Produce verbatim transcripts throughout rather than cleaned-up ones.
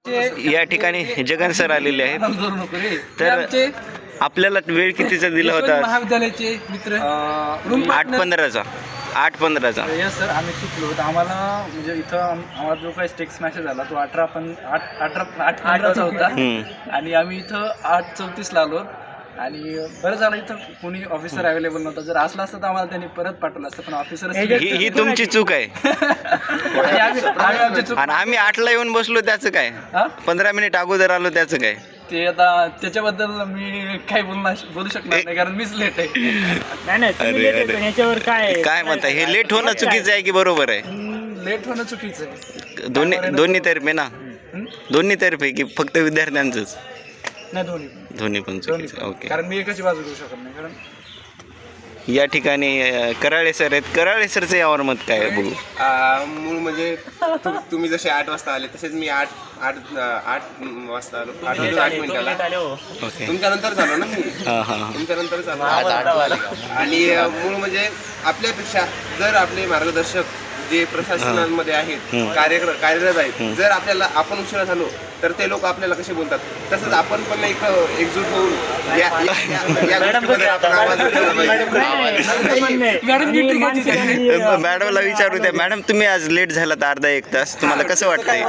या ठिकाणी जगन सर आलेले आहेत. तर आपल्याला वेळ कितीचा दिला होता? महाविद्यालयाचे मित्र आठ पंधराचा आठ पंधराचा यस सर, आम्ही चुकलो होतो. आम्हाला म्हणजे इथं आम- आम्हाला जो काही टेक्स्ट मॅसेज आला तो अठरा पण आठ अठरा आठ पंधराचा होता आणि आम्ही इथं आठ चौतीसला आलो आणि बरं झालं इथं कोणी ऑफिसर अवेलेबल नव्हता. जर असला असतं तर आम्हाला त्यांनी परत पाठवलं असतं, पण ऑफिसर ही ही तुमची चूक आहे. आमची चूक. आणि आम्ही आठला येऊन बसलो त्याचं काय? हा? पंधरा मिनिट अगोदर आलो त्याचं काय? ते आता त्याच्याबद्दल मी काही बोलणार बोलू शकणार नाही कारण मीच लेट आहे. नाही नाही तुम्ही अरे, late अरे. येतो, याच्यावर काय काय म्हणता? हे लेट होणं चुकीचं आहे की बरोबर आहे? लेट होणं चुकीचं आहे. दोन्ही दोन्ही तर्फे ना, हं? दोन्ही तर्फे की फक्त विद्यार्थ्यांचंच? नाही दोन्ही पण. दोन्ही पण दोन्ही चुकीचं. पण. ओके. कारण मी एकाची बाजू घेऊ शकत नाही. कारण या ठिकाणी अं, कराळे सर आहेत. कराळे सरचं यावर मत काय आहे बघू. आ, मूळ म्हणजे तु- तुम्ही जसे आठ वाजता आले तसेच मी आठ आठ आठ वाजता आलो. आठ वाजून आठ मिनिटाला ओके. तुमच्या नंतर झालो ना मी हां हां हां. तुमच्या नंतर झालो आणि अ, मूळ म्हणजे आपल्यापेक्षा जर आपले मार्गदर्शक जे प्रशासनामध्ये आहेत कार्य कार्यरत आहेत, जर आपल्याला आपण उशिरा झालो तर ते लोक आपल्याला कसे बोलतात, तसंच आपण पण एक एकजूट होऊन या- या- या- या गोष्टीमध्ये आपण आवाज उठवला पाहिजे. मॅडमला विचारू द्या. मॅडम तुम्ही आज लेट झालात अर्धा एक तास, तुम्हाला कसं वाटतंय?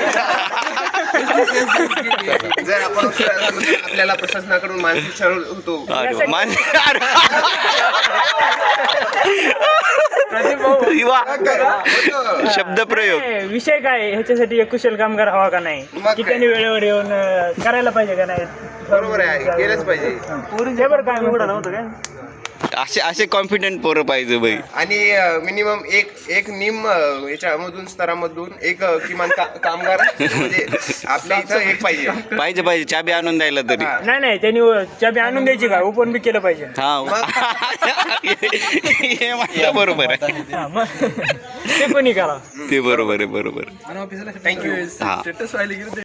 जर आपण उशिरा झालो तर आपल्याला प्रशासनाकडून मानसिक छळ होतो. अरे वा, मान- वा. शब्द प्रयोग. नाही, विषय काय आहे? ह्याच्यासाठी एक कुशल कामगार हवा का नाही मग की काय? त्यांनी वेळेवर येऊन अं, करायला पाहिजे का नाही? बरोबर आहे, केलंच पाहिजे. ते बरं काय उघडा नव्हतं काय? असे असे कॉन्फिडंट पोरं पाहिजे बाई. आणि मिनिमम एक एक निम अ, याच्यामधून स्तरामधून एक अ, किमान का- कामगार म्हणजे आपल्या इथं एक पाहिजे. पाहिजे पाहिजे चाबी आणून द्यायला तरी. हा. नाही नाही त्यांनी चाबी आणून द्यायची का? ओपन बी केलं पाहिजे. हा हे म्हणतं बरोबर आहे. हा, मग ते कोणी करा. ते बरोबर आहे, बरोबर. आणि ऑफिसला Thank you. हा. स्टेटस व्हायला गेलं